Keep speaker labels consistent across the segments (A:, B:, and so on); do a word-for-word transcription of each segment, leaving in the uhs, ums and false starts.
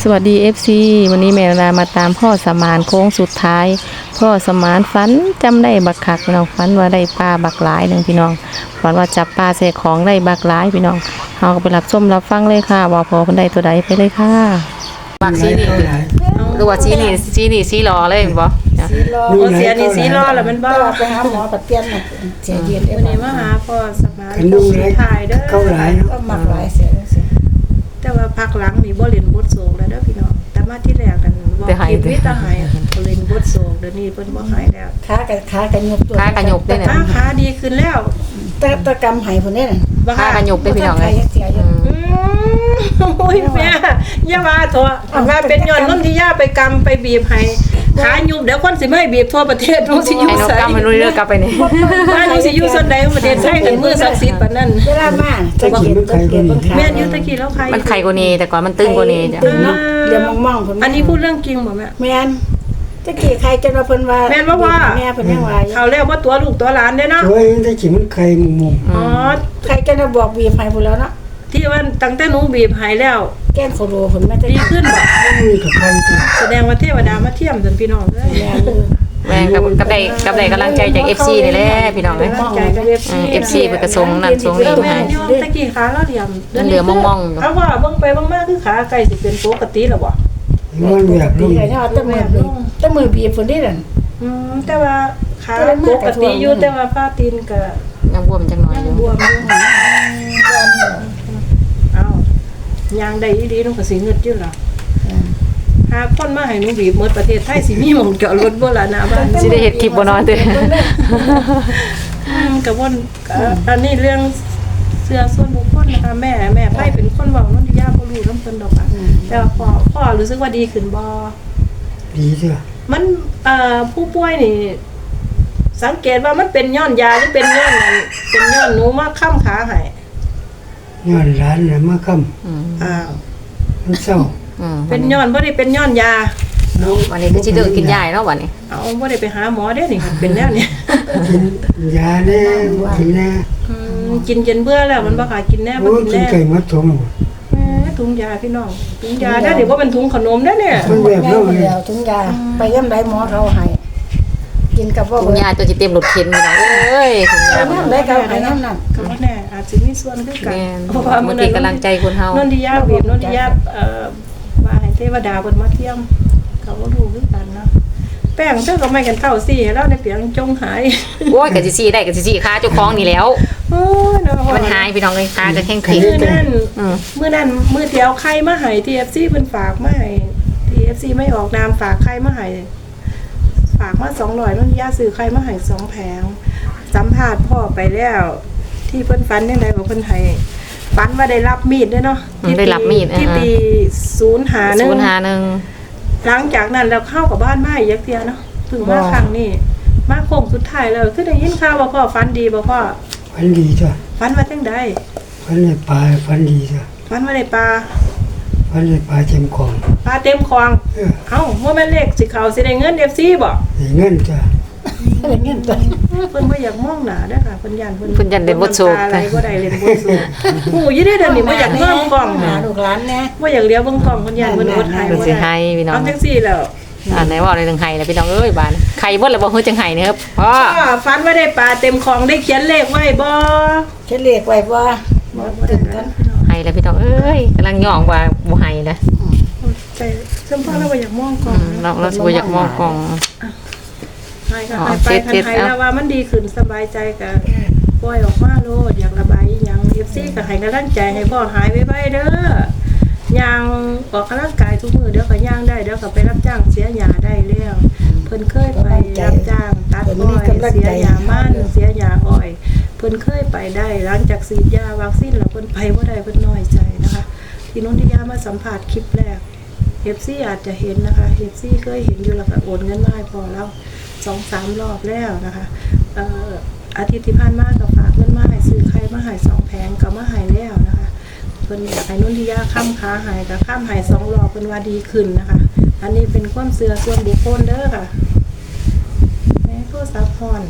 A: สวัสดี เอฟ ซี วันนี้แม่นามาตามพ่อสมานโค้งสุดท้ายพ่อสมานฝันจำได้บักคักพี่น้องฝันว่าได้ปลาบักหลายหนึ่งพี่น้องฝันว่าจับปลาใส่ของได้บักหลายพี่น้องเราก็ไปรับชมรับฟังเลยค่ะว่าพอคนใดตัวใดไปเลยค่ะบักซีนี่หรือว่าซีนี่ซีนี่ซีรอเลยบ่
B: สีรอเสียนี่สีรอแล้วมันบ่ไปหาหมอปัดเปลี่ยนเสียเย็นวันนี้มาหาพ่อสมานโค้งสุดท้ายเด้อเข้าหลายก็มักหลายเสียแต่ว่าพักหลังนี่บ่เล่นบทโศกแล้วเด้อพี่น้องแต่มาที่แรกกันบ่คิดวิตาหายบ่เล่นบทโศกเดี๋ยวนี้เพิ่นบ่หายแล้วขากับขากันยกตัว
A: ขากันยกได้เนี่ย
B: ขาดีขึ้นแล้วแต่ตะกำหายพุ่นนี่น่ะ
A: ขากันยกได้พี่น้องเลย
B: โอ้ยแม่อย่าว่าโทษว่าเป็นย้อนนนทิยาไปกำไปบีบให้ขายุบเดี๋ยวคนสิมาให้บีบทั่วประเทศหนูสิอยู่ไส
A: ให้นกกำมันเรื่อยๆกลับไปนี่
B: บ้านหนูสิอยู่ส่วนใดของประเทศไทยกันมือศักดิ์สิทธิ์ปานนั้นเวลามาตะกี้ตะกี้แม่อยู่ตะกี้แล้วใคร
A: มันไข่กว่านี้แต่ก่อนมันตึงกว่านี้จ้ะ
B: เดี๋ยวมองๆพุ่นอันนี้พูดเรื่องจริงบ่แม่แม่นตะกี้ใครจนว่าเพิ่นว่าแม่นบ่ว่าแม่เพิ่นยังว่าเอาแล้วว่าตัวลูกตัวหลานเด้เนาะ
C: โอ้ยตะกี้มันไข่มุม
B: อ๋อใครจะบอกบีบให้พุ่นแล้วเนาะที่ว่าตั้งแต่หนูบีบหายแล้วแก้นโคโรผลมันจะดีขึ้นแบบแสดงว่าเทวดามาเทียมจนพี่น้องเลย
A: แม่กับกับได้กับได้กำลังใจจาก เอฟ ซี นี่แหละพี่น้องเลย
B: กำลังใจจาก เอฟ ซี
A: เอฟ ซี เป็นกระทรวงนั่นทรวงนี้
B: แม่ตะกี้ขาเราเหลี่ยม
A: เหลือมองๆ
B: เอาว่าเบิ่งไปเบิ่งมาคือขาไก่สิเป็นปกติแล้วบ่
C: มันแบบ
B: นี้ไงเนาะแต่มือแต่มือบีบพุ่นนี่นั่นอืมแต่ว่าขาปกติอยู่แต่ว่าฟ้าตีนก็
A: ยังบวมจังหน่อยอยู่
B: บวมอยู่เอายางได้ดีๆน้องก็สิเงิดอยู่ล่ะหาคนมาให้หนูบีบหมดประเทศไทยสิมีหม่องจอดรถบ่ล่ะนะบ้าน
A: สิได้เฮ็ดคลิปบ่น้อยเด้อ
B: ก็บ่นอันนี้เรื่องเสื้อส่วนบุคคลนะคะแม่แม่ไผเป็นคนเว้านนทิยาบ่รู้นำเพิ่นดอกอ่ะแต่ว่าพ่อพ่อรู้สึกว่าดีขึ้นบ่
C: ดีจ้ะ
B: มันเอ่อผู้ป่วยนี่สังเกตว่ามันเป็นย้อนยาหรือเป็นย้อนนั่นเป็นย้อนหนูมาค้ำขาให้
C: ย้อนร้านน่ะมาค้ำ
B: อืมอ้าว
C: มันเศร้า
B: อืมเป็นย้อนบ่ได้เป็นย้อนยา
A: วันนี้ก็สิเด้อกินยาเนาะวันนี้
B: เอาบ่ได้ไปหาหมอเด้นี่เป็นแนวนี้
C: กินยาแน่กินแน่
B: อืมกินจนเบื่อแล้วมันบ่ค่ะกินแน่บ่กินแน่
C: กินไก่มัดถุง
B: แหมถุงยาพี่น้องถุงยาได้เดี๋ยวบ่เป็นถุงขนมเด้เนี่ย
C: มันแบบนั้นเลย
B: ถุงยาไปยามใดหมอเขาให้กินกับว่า
A: ถุงยาตัวสิเต็มรถเข็นพี่น้องเอ้ยถุงยา
B: น้ำได้ก็ให้น้ำนั่นก็บ่แน่อาจสิมีส่วนคือกัน
A: เพราะว่ามันเป็นกำลังใจคนเฮาน
B: นทิยาบีบนนทิยาเอ่อว่าให้เทวดาเพิ่นมาเทียมก็บ่รู้คือกันเนาะแป้งเจ้าก็ไม่กันเท่าซี่แล้วในเปียงจงหาย
A: โอ้ยก็สิซี่ได้ก็สิซี่ค่าเจ้าของนี่แล้ว
B: โอ้ยเนาะ
A: มันหายพี่น้องเลยค่าก็แข็งๆ
B: มื้อนั้นมื้อนั้นมื้อที่เอาไข่มาให้ ที เอฟ ซี เพิ่นฝากมาให้ ที เอฟ ซี ไม่ออกนามฝากไข่มาให้ฝากมาสองร้อยนนทิยาซื้อไข่มาให้สองแผงสัมภาษณ์พ่อไปแล้วที่เพิ่นฝันจังได๋บ่เพิ่นให้ฝันว่าได้รับมีดด้วยเนาะ
A: ได้รับมีด
B: ที่ตีศูนย์หาหนึ่ง
A: ศูนย์หาหนึ่ง
B: หลังจากนั้นเราเข้ากับบ้านมาอีกยักเทียเนาะถึงมาครั้งนี้มาโค้งสุดท้ายแล้วคือได้ยินข่าวว่าพ่อฝันดีบ่พ่อ
C: ฝันดีจ้ะ
B: ฝันว่าจังได๋
C: ฝันในป่าฝันดีจ้ะ
B: ฝันว่าได้ปลา
C: ฝันในป่าเต็มคลอง
B: ปลาเต็มคลองเอ้าบ่แม่นเลขสิเข้าสิได้เงิน เอฟ ซี บ่
C: ได้เงินจ้ะ
B: ได้เงินจ้ะเพิ่นบ่อยากมองหน้าเด้อค่ะเพิ่นย่านเพิ่น
A: เพิ่นย่านเล่นบทโศก
B: อะไรบ่ได้เล่นบทโศกฮู้อยู่เด้อเดี๋ยวนี้บ่อยากเบิ่งกล้องหาลูกหลานแน่บ่อยากเลี้ยวเบิ่งกล้องเพิ่นย่านเพิ่นอดให้บ่
A: ได้ให้พี่น้อง
B: เอาจังซี่แล้ว
A: อ่าไหนว่าในเรื่องไห้แล้วพี่น้องเอ้ยบ้านไข่บ่แล้วบ่เฮ็ดจังไห้นี่ครับพ่อ
B: ฝันว่าได้ปลาเต็มคลองได้เขียนเลขไว้บ่เขียนเลขไว้บ่บ่ตื่นกัน
A: ไห้แล้วพี่น้องเอ้ยกำลังย่องว่าบ่ไห้นะ
B: แต่ซึ่งพ่อเราบ่อยากมองกล้อง
A: เราเราบ่อยากมองกล้อง
B: ให้ก็ให้ไปทันให้แล้วว่ามันดีขึ้นสบายใจก็ปล่อยออกมาโลดอยากระบายหยัง เอฟ ซี ก็ให้กำลังใจให้พ่อหายไวๆเด้อย่างออกกำลังกายทุกมื้อเดี๋ยวก็ย่างได้เดี๋ยวก็ไปรับจ้างเสียหญ้าได้แล้วเพิ่นเคยไปรับจ้างตัดอ้อยเสียหญ้ามันเสียหญ้าอ้อยเพิ่นเคยไปได้หลังจากฉีดยาวัคซีนแล้วเพิ่นไปบ่ได้เพิ่นน้อยใจนะคะที่นนทิยามาสัมภาษณ์คลิปแรก เอฟ ซี อาจจะเห็นนะคะ เอฟ ซี เคยเห็นอยู่แล้วก็โอนเงินมาให้พอแล้ว สองสาม รอบแล้วนะคะเอ่ออาทิตย์ที่ผ่านมาก็ฝากเงินมาให้ซื้อไข่มาให้สองแผงก็มาให้แล้วนะคะเพิ่นอยากให้นนทิยาค้ำค้าให้ก็ค้ำให้สองรอบเพิ่นว่าดีขึ้นนะคะอันนี้เป็นความเชื่อส่วนบุคคลเด้อค่ะแม่โทรศัพท์พร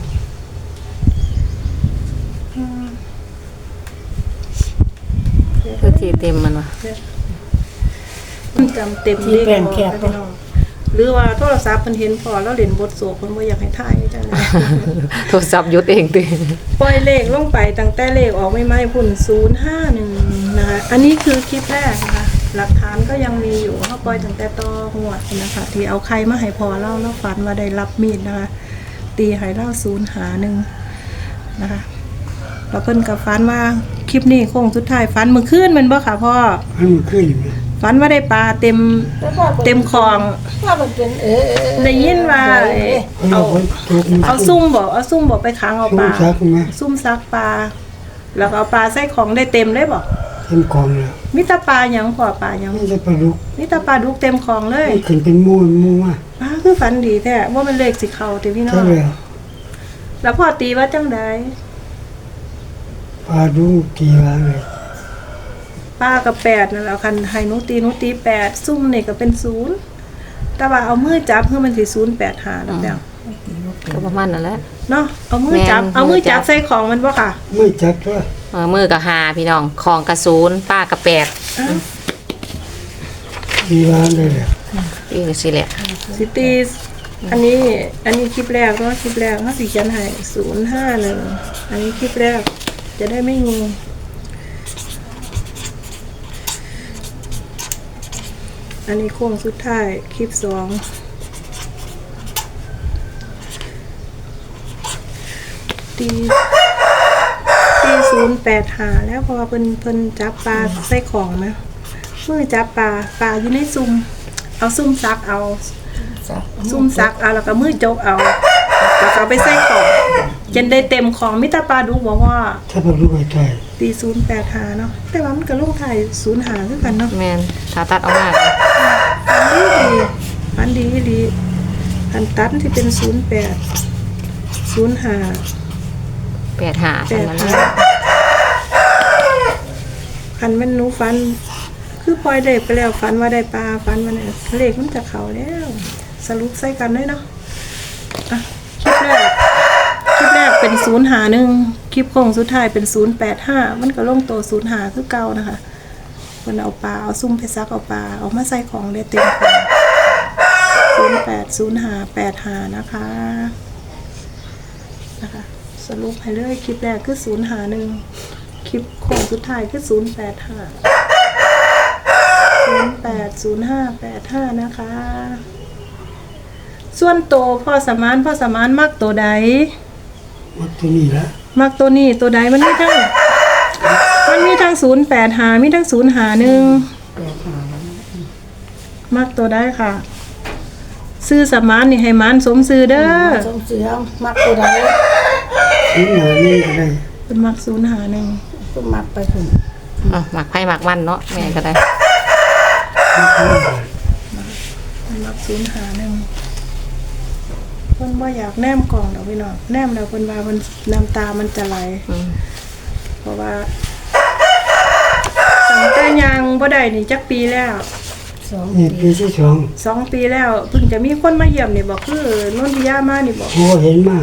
B: อืม
A: คือที่เต็มมันว่ะ
B: จำเต็มเลขพอพี่น้องหรือว่าโทรศัพท์เพิ่นเห็นพอแล้วเล่นบทสวดเพิ่นบ่อยากให้ถ่ายจังได๋
A: โทรศัพท์หยุดเองติ
B: ปล่อยเลขลงไปตั้งแต่เลขออกใหม่ๆพุ่นศูนย์ห้าหนึ่งนะคะอันนี้คือคลิปแรกนะคะหลักฐานก็ยังมีอยู่เฮาปล่อยตั้งแต่ต่อหัวดนะคะที่เอาใครมาให้พอเล่าแล้วฝันว่าได้รับมีดนะคะตีให้เล่าศูนย์หาหนึ่งนะคะแล้วเพิ่นก็ฝันว่าคลิปนี้โค้งสุดท้ายฝันมื้อคืนแม่นบ่ค่ะพ่อ
C: มันมันขึ้นอยู่นะ
B: ฝันว่าได้ปลาเต็มเต็มคลอง
D: ว่ามันเป็นเออ
B: ได้ยินว่าเอ่อ
C: เอา
B: เอา
C: คนถูกมัน
B: เอาซุ่มบ่เอาซุ่มบ่ไปขังเอา
C: ซุ่
B: ป
C: ม
B: ลา
C: ซักไหม
B: ซุ่มซักปลาแล้วก็เอาปลาใส่ของได้เต็มเลยบ่
C: เต็มกองแล้ว
B: มิตรปลาหยังพอปลาหยัง
C: มันจะปลาดุก
B: มิตรปลาดุกเต็มของเลย
C: มันขึ้นเป็นมูนมูว่า
B: ปลาคือฝันดีแท้ว่ามันเลขสิเข้าติพี่น้อ
C: ใช่
B: ง
C: แล้ว
B: แล้วพ่อตีว่าจังได
C: ปลาดุกกี่วันเลย
B: ปลากับแปดนั่นแหละคันให้หนูตีหนูตีแปดซุ่มนี่ก็เป็นศูนย์แต่ว่าเอามือจับคือมันสิศูนย์แปดหาแล้วแล้ว
A: ก็ประมาณนั่นแหละ
B: เนาะเอามือจับ
A: แม่น
B: เอามือจับ
A: มือจับ
B: ใส่ของมันบ่ค่ะ
C: ไม่จับด้วย
A: เออมือกับหาพี่น้องของกระศูนย์ป้ากระแปด
B: อ้าว
C: กี่วันได้แล้ว
A: อีกสิแหละ
B: สิตีอันนี้อันนี้คลิปแรกเนาะคลิปแรกเขาสิเขียนให้ศูนย์ห้าหนึ่งอันนี้คลิปแรกจะได้ไม่งงอันนี้โค้งสุดท้ายคลิปสองตีตีศูนย์แปดหาแล้วเพอเพิ่นเพิ่นจับปลาใส่ของไหมมือจับปลาปลาอยู่ในซุ่มเอาซุ่มซักเอา
D: สัก
B: ซุ่มซักเอาแล้วก็มือจกเอาแล้วก็เอาไปใส่ของจนได้เต็มของมิตรปลาดุกบอกว่า
C: ถ้าปลาดุกไอ้ไทย
B: ตีศูนย์แปดหาเนาะแต่ว่ามันก็ลงไทายศูนย์หาคือกันเนาะ
A: แมนถ้าตัดออกมา
B: อันดีดีอันดีดีอันตันที่เป็นศูนย์แปดศูนย์หา
A: แปดหา
B: แป
A: อัน
B: ด
A: นั้น
B: หาคันแมันหนูฟัน คือปล่อยได้ไปแล้วฟันว่าได้ปลาฟันว่าเนี่ยเลขมันจะเขาแล้ว สรุปใส่กันเลยเนาะอ่ะคลิปแรกคลิปแรกเป็นศูนย์หาหนึ่งคลิปโค้งสุดท้ายเป็นศูนย์แปดห้ามันก็ลงตัวศูนย์หาคือเก่านะคะมันเอาปลาเอาซุ่มไปซักเอาปลาเอามาใส่ของได้เต็มของศูนย์แปดศูนย์หาแปดหานะคะนะคะ สรุปให้เลยคลิปแรกคือศูนย์หาหนึ่งคลิปโค้งสุดท้ายคือศูนย์แปดห้าศูนย์แปดศูนย์ห้าแปดห้านะคะ ส่วนโตวพ่อสมานพ่อสมานมักตัวใด
C: หมดตัวนี้ละ
B: มักตัวนี้ตัวใดมันมีทั้งมันมีทั้งศูนย์แปดหามีทั้งศูนย์หาหนึ่งมักตัวใดค่ะ ซื้อสมานนี่ให้มันสมซื้อเด้อ
D: สมเสือมักตัวใด
C: ชิ้นหนานี่ก็ได้
B: เป็นมักศูนย์หาหนึ่ง
D: ก็มักไปถึง
A: อ่ะหมักไผ่หมักมันเนาะแม่ก็ได้
B: เป็นมักศูนย์หาหนึ่งเพิ่นว่าอยากแนมกล่องดอกพี่น้องแนมแล้วเพิ่นว่าเพิ่นน้ำตามันจะไหล
A: อืม
B: เพราะว่าตั้งแต่ยังบ่ได้นี่จักปีแล้ว
D: สอง
C: นี่
D: ปี
C: ปีที่สอง
B: สองปีแล้วเพิ่งจะมีคนมาเยี่ยมนี่บอกคือนนทิยามานี่บอก
C: หัวเห็นมา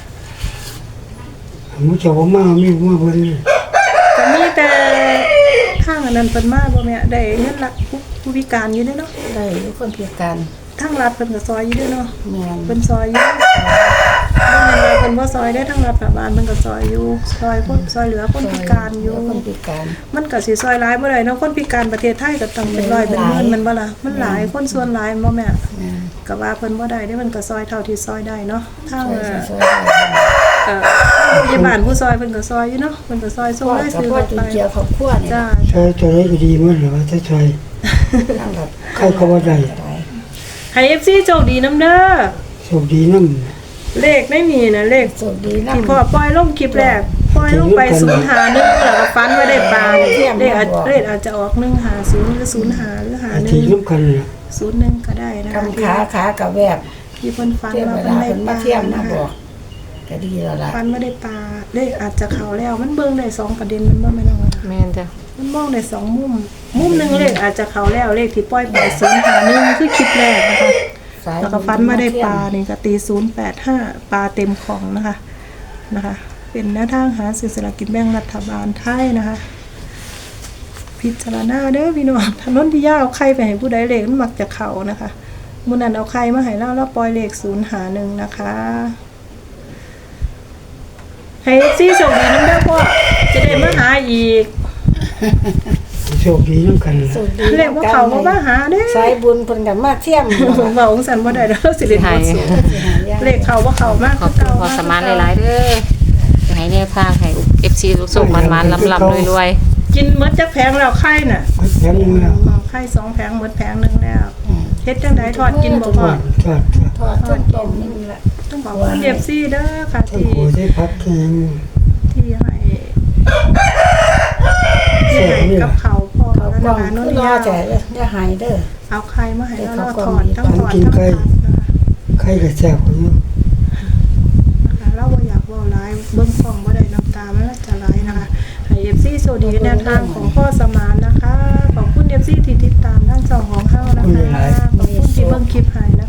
C: หมูเจ้าว่ามามีหัวเพิ่นเลย
B: ก็มีแต่ทางอันนั้นเพิ่นมาบ่แม่ได้เงินรัฐผู้ผู้พิการอยู่เด้อเนาะ
D: ได้อยู่คนพิการ
B: ทางรัฐเพิ่นก็ซอยอยู่เด้อเนาะ
D: แม่น
B: เพิ่นซอยอยู่บ่แม่นว่าเพิ่นบ่ซอยได้อทางรัฐบาลเพิ่นก็ซอยอยู่ซอยคนซอยเหลือคนพิการอยู่
D: คนพิการ
B: มันก็สิซอยหลายบ่ได้เนาะคนพิการประเทศไทยก็ต้องเป็นร้อยเป็นหมื่นแมันบ่ล่ะมันหลายคนส่วนหลายบ่แม่
D: แม่น
B: ก็ว่าเพิ่นบ่ได้เด้มันก็ซอยเท่าที่ซอยได้เนาะทาง
D: ช่วย
B: เอ่อ
D: ช่วยได้
B: เอ่อพยาบาลผู้ซอยเพิ่นก็ซอยอยู่เนาะเพิ่นก็ซอยส่ง
D: พ่อ
B: ได้
D: กับ
B: ซื้อ
D: พ่อ
B: รถ
D: จุ
B: ไป
D: นเจียวครอบครัวนี่
B: จ้า
C: ใช้ตัวนี้ก็ดีหมั้งหรือว่าถ้าใช้
D: ทั้งแบบ
C: ใครก็ว่าได้
D: ได้
B: ให้ เอฟ ซี โชคดีนำเด้อ
C: โชคดีน้
B: เลขไม่มีนะเลข
D: สวัสดีนะ
B: ที่พ่อปล่อยลงคลิปแรกปล่อยลงไปศูนย์หาหนึ่งแล้วก็ฟันไว้ได้ปลาเนี่ยเลขอาจเลขอาจจะออกหนึ่งหาศูนย์หรือศูนย์หาหรือหา
C: ำ
B: ห
C: ที
B: นึ่ง
C: น้ำกันเลย
B: ศูนย์หนึ่งก็ได้นะ
D: กำขาขากับแวบ
B: ที่เพิ่นฟัน
D: เทียบ
B: ว่า
D: เว
B: เพิ่น
D: ลา
B: ได้
D: เป็น
B: ป
D: มา
B: ลา
D: เทียมนะ
B: นะ
D: บอกก็ดีแล้วล่ะ
B: ฟันไม่ได้ปลาเลขอาจจะเข้าแล้วมันเบิ่งได้สองประเด็นมันบ่แม่นว่า
A: แม่นจ้ะ
B: มันมองได้สองมุม มุมหนึ่งเลขอาจจะเขาแล้วเลขที่ปล่อยไปศูนย์หาหนึ่งคือคลิปแรกนะคะ
D: สาย
B: แล้วก็ฟันมาได้ปลานี่ก็ตีศูนย์แปดห้าปลาเต็มของนะคะนะคะ เป็นแนวทางหาซื้อสลากกินแบ่งรัฐบาลไทยนะคะ พิพิจารณาเด้อพี่น้องถนนที่ยาวใครไปให้ผู้ใดเลขมันมักจะเข้านะคะมื้อนั้นเอาใครมาให้เราแล้วปล่อยเลขศูนย์หาหนึ่งนะคะให้ซี่โชคดีนำเด้อพ่อจะได้มาหาอีก
C: โชคดีน้ำกันล่ะ
D: สุดดี
B: เลขว่าเขาบ่มาหาเด้อ
D: สายบุญเพิ่นก็มาเที่ยม
B: เว้าองสันบ่ได้เด้อสิริโตสูงเลขเขาบ่เข้ามาก
A: ขอบคุณพ่อสมานหลายๆเด้อจะให้แนวทางให้ เอฟ ซี สุขๆมันๆลำๆรวยๆ
B: กินหมดจักแผงแล้วไข่น่ะ
C: มันแข็งแล้ว
B: อ๋อไข่สองแผงหมดแผงหนึงแล้วเฮ็ดจังไดทอดกินบ่
C: ท
B: พ่อ
C: อดทอดทอด
D: ทอดจนต้มนี่ละ
B: ต้องขอบคุณ เอฟ ซี เด้อค่ะ
C: ทั้ง
B: ที่
C: โคได้พักแข็ง
B: ที่ให้ที่ให้กับเขาพ่อ
D: เขา
B: แล้ว
D: กล้อง
B: นะคะโนน
D: รอย
B: าว
D: แต่อย่าหายเด้อ
B: เอาไข่มาให้แล้วเราถอดทั้งถอดทั้งถอดนะคะ
C: ไข่กระแซ่บกว่าอยู่
B: นะคะเราบ่อยากเว้าหลายเบิ่งกล้องบ่ได้น้ำตามันละจะไหลนะคะให้ เอฟ ซี สวัสดีแนวทางของพ่อสมานนะคะขอบคุณ เอฟ ซี ที่ติดตามทั้งสองของเฮานะคะขอบคุณที่เบิ่งคลิปให้นะ